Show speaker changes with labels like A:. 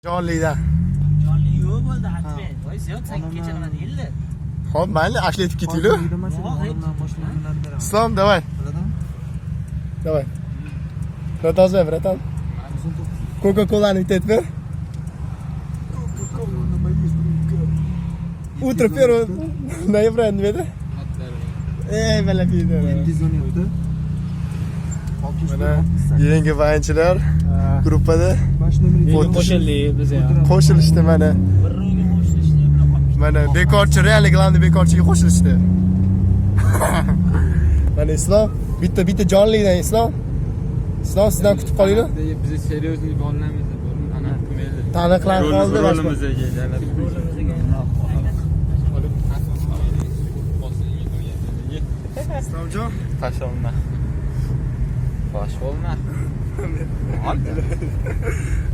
A: Jonlidan.
B: Jonli yo'q bo'ldi, aytmang. Voy, ziyod 8gacha qiladi, 50.
A: Xo'p, mayli, ashlatib ketinglar. Islom, давай. Давай. Продолжай, братан. Кока-коланы bitet ver. Утро первого ноября, не видно? Bala piyda. Mana yangi vayinchilar gruppada
B: Qo'shildik biz ham.
A: qo'shilishdi mana.
B: Bir ro'yga qo'shilishdi,
A: Mana bekorchi, real glавный bekorchiga qo'shilishdi. Mana Islom, bitta jonlidan Islom. Islom sizdan kutib qolinglar.
C: Biz seriozlik olmaymiz. Ana mayli.
A: Taniqlar qoldi
C: Rolimizga
A: Islomjon,
C: Tosh olma. Bosh olma.